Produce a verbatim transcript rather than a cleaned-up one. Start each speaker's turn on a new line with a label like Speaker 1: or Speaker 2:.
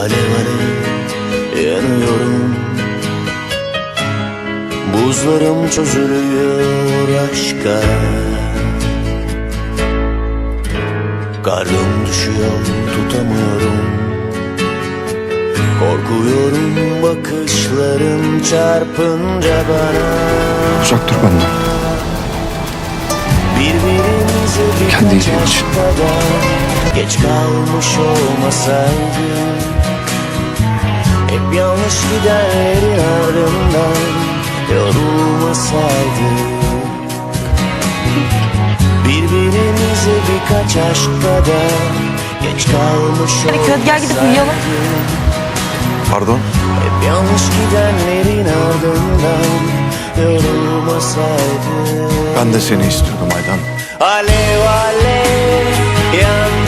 Speaker 1: alev alev yanıyorum. Buzlarım çözülüyor aşka. Karnım düşüyor, tutamıyorum. Korkuyorum bakışların çarpınca bana.
Speaker 2: Uzak dur benden.
Speaker 1: Birbirimize bir
Speaker 2: Kendi iyiliğin için.
Speaker 1: geç kalmış olmasaydı, hep yanlış gidenlerin ardından yorulmasaydı, birbirimize birkaç aşk kadar geç kalmış olmasaydı.
Speaker 3: Hadi gel gidip uyuyalım.
Speaker 2: Pardon?
Speaker 1: Hep yanlış gidenlerin ardından yorulmasaydı.
Speaker 2: Ben de seni istiyordum Aydan.
Speaker 1: Alev alev yan